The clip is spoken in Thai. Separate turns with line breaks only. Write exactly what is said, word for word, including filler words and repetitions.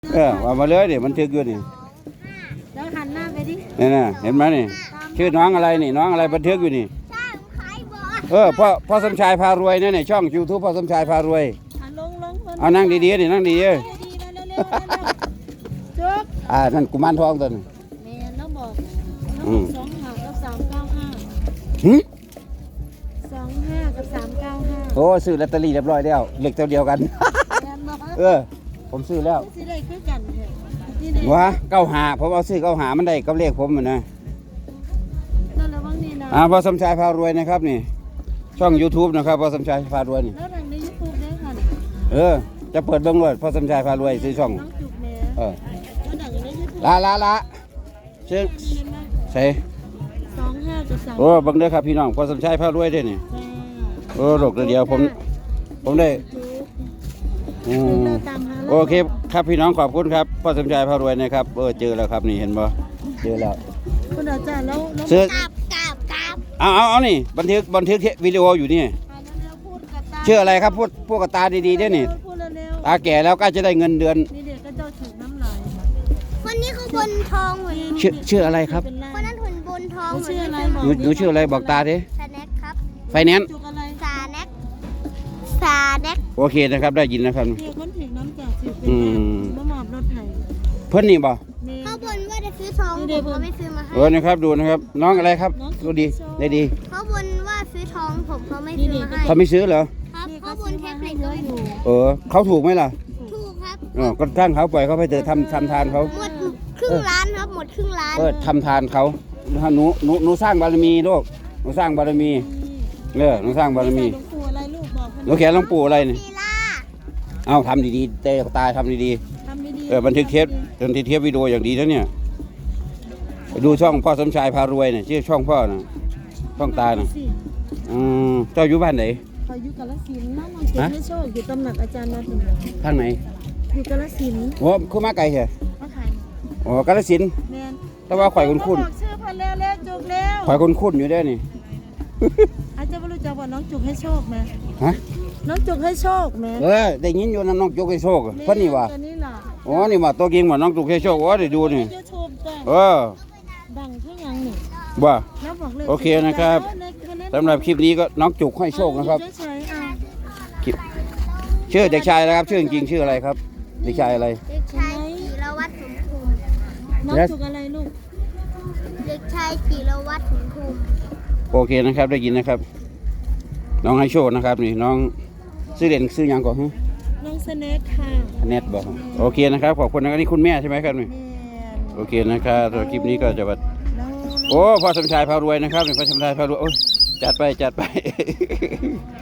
เออว่ามาเลยดิมันทึกอยู่นี่
แล้วหันหน้าไปดิ
นี่นะเห็นไหมนี่ชื่อน้องอะไรนี่น้องอะไรบันทึกอยู่นี่
ใช่ขายบอส
เออพ่อพ่อสมชายพารวยเนี่ยนี่ช่องยูทูบพ่อสมชายพารวย
หันลงลง
เอานั่งดีๆดินั่งดีๆ
ดีๆเร็วๆเร็วๆจุ๊บ
อ่านั่นกุมารทองตัวนึง
แม่น้องบอกน้อง
อื
บอ
ม
กสองห้ากับสามเก้าห้า
หึ
สองห้ากับสามเก้าห้า
โอ้ซื้อลอตเตอรี่เรียบร้อยแล้วเลขตัวเดียวกัน
แม่บอก
เออ ผมซื้อแล้ว
สิได้คือกันเถอะที่ไหน
วะเก้าหาผมเอาซื้อเก้าหามันได้กับเลขผมมันนะ
นั่นระวังนี่นะ
อ่าพ่อสมชายพารวยนะครับนี่ ช่อง YouTube นะครับพ่อสมชายพารวยนี่
แล้วดังในยูทูบได้ค่ะ
เออจะเปิดเบิ้งรวดพ่อสมชายพารวยซื้อช่อง
น้องจุกแม่
เออ
แล้วดังในยูทูบ
ลาลาลาเชิญใส่
สองห้ากับสาม
โอ้เบังเด้อครับพี่น้องพ่อสมชายพารวยเด้อนี่โอ้โลกเดียวผมผมได้อืมโอเคครับพี่น้องขอบคุณครับพ่อสมชายพารวยนะครับเออเจอแล้วครับนี่เห็นบ่เจอแล้ว
คุณอาจารย์แล้วแล้ว
ซื้อ
กราบกราบกราบ
เอาเอาเอานี่บันทึกบันทึกวิดีโออยู่นี่
เร็วๆพูดกับตา
ชื่ออะไรครับพูดพูดกับตาดีๆเด้อนี่
พูดเร็ว
ตาแก่แล้วก็จะได้เงินเดือน
ๆนี่เด็กก็จะถูกน้ำลาย
คนนี้เขาบนทองเหมือน
ชื่อชื่ออะไรครับ
เป็นไร
คนนั้นหุ่นบนทอง
เขา
เหมือน
ชื่ออะไร
กัน
บอก
หนูหนูชื่ออะไรบอกตาดิ
สแน็คครับ
ไฟแนนซ์
จุกอะไร
สาแน็คสาแน็ค
โอเคนะครับได้ยินนะครับ
เดี๋ยวคนถึงน้ำจากสิเป็น
อืม
มะหมอบรถไถ
เพิ่นนี่บ่
นี่
เขาบนว่าจะซื้อทองผมก็ไม่ซื้อมาให้
เออนะครับดูนะครับ น้องอะไรครับดูดีได้ดี
เขาบนว่าซื้อทองผมเขาไม่ซื้อมาให้
เขาไม่ซื้อเหรอ
ครับ
นี่
เขาบนแท็บเล็ต
เย
ก็
อะ
ไม่
อยู่
ซื้อ
เออเขาถูกไหมล่ะ
ถูกครับ
เออก็ตั้งเขาปล่อยเขาไปเถอะทำทำทานเขา
หมดครึ่งล้านครับหมดครึ่งล้าน
เออทำทานเขาหนูหนูหนูสร้างบารมีลูกหนูสร้างบารมีเออหนูสร้างบารมี
หลวงปู่อะไรลูกบอก
หนูแขนหลวงปู่อะไรนี่
ลีลา
เอาทำดีๆเตะตายทำดี
ทำดี
ๆเออบันทึกเทปบันทึกเทปวิดีโออย่างดีแล้วเนี่ยไปดูช่องพ่อสมชายพารวยเนี่ยชื่อช่องพ่อน่ะช่องตาน่ะ
สิ
อืมเจ้าอยู่บ้านไหน
เขาอยู่กาฬสินธุ์น้องน้องเก็บให้โชคอยู่ตำหนักอาจารย์มาถึง
ทางไหน
อยู่กาฬสินธุ์
โอ้คือมาไกลเหรอ
มาขาย
อ๋อกาฬสินธุ์
แมน
แต่ว่าข่อยคุ้น
บอกชื่อเพันแล้วแล้วจุกแล้ว
ๆข่อยคุ้นๆอยู่ได้อนี่
อาจจะไม่รู้จักว่าน้องจุกให้โชคไหม
ฮะ
น้องจุกให้โชคไหม
เออได้ยินอยู่นะน้องจุกให้โชคเพิ่นนี่ว่า
ตัวนี้ล่ะ
อ๋อนี่ว่าตัวจริงว่าน้องจุกให้โชคโอ้ได้ดูนี่
ยูทูบจ้ะ
เออ
ดังเท่ายังนี่
ว่า
แล้วบอกเลย
โอเคนะครับ สำหรับคลิปนี้ก็น้องจุกให้โชคนะครับ
เฉยๆอ่ะ
คลิปชื่อเด็กชายอะไรครับชื่อจริงๆชื่ออะไรครับเด็กชายอะไร
เด็กชายจิรวัตรสมภูมิ
น้องจุกอะไรลูก
เด็กชายจิรวัตรสมภูมิ
โอเคนะครับได้ยินนะครับ น้องให้โชคนะครับนี่น้องซื้อเด่นซื้อหยังก่อนฮะ
น้องสเนคค่ะ
เน็ตบอกโอเคนะครับขอบคุณนะครับนี่คุณแม่ใช่ไหมครับนี่
แม่
โอเคนะครับสำหรับคลิปนี้ก็จะแบบ
น้อง
โอ้พ่อสมชายพารวยนะครับนี่พ่อสมชายพารวยโอ้ยจัดไปจัดไป